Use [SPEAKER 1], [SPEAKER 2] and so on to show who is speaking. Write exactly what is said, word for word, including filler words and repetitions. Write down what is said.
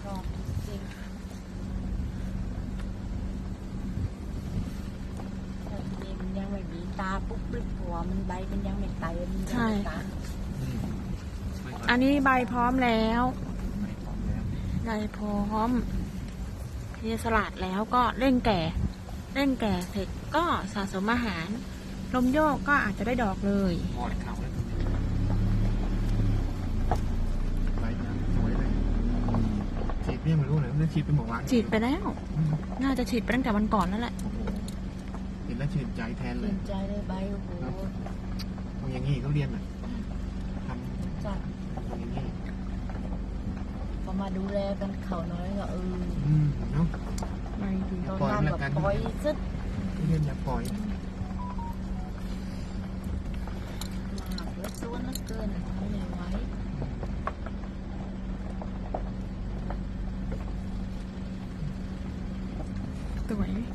[SPEAKER 1] อบจริงแต่นี่มันยังไม่มีตาปุ๊บปุ๊บหัวมันใบมันยังไม่ไตมันยังไม่ตา
[SPEAKER 2] อันนี้ใบพร้อมแล้ว
[SPEAKER 3] ไม่พร้อมแล้ว
[SPEAKER 2] ใบพร้อมเทสลัดแล้วก็เร่งแก่ เร่งแก่เสร็จก็สะสมอาหาร ลมโยกก็อาจจะได้ดอกเลย
[SPEAKER 3] พอดเข่าแล้วใบน้ำสวยเลยฉีดเนี่ยไม่รู้เลยนั่นฉีดเป็นหมอวาน
[SPEAKER 2] ฉีดไปแล้ว น่าจะฉีดไปตั้งแต่วันก่อนแล้วแหละ
[SPEAKER 3] โอ้โหเห็นแล้วชื่นใจแทนเล
[SPEAKER 1] ชื่
[SPEAKER 3] ย
[SPEAKER 1] นใจเลยใบโอ้โห
[SPEAKER 3] ทำอย่างนี้เขาเรียนอ่ะท
[SPEAKER 1] จัด
[SPEAKER 3] ำทำอย่างนี้
[SPEAKER 1] พอมาดูแลกันเขาน้อยก็เออ
[SPEAKER 3] อืมเนาะ
[SPEAKER 2] ใบดี
[SPEAKER 1] ตอนนั้นแบบปล่อยซึด
[SPEAKER 3] เรียนอย่าปล่อย
[SPEAKER 1] มากแล้วตัวนักเกินทำไม่ไหว
[SPEAKER 2] สวย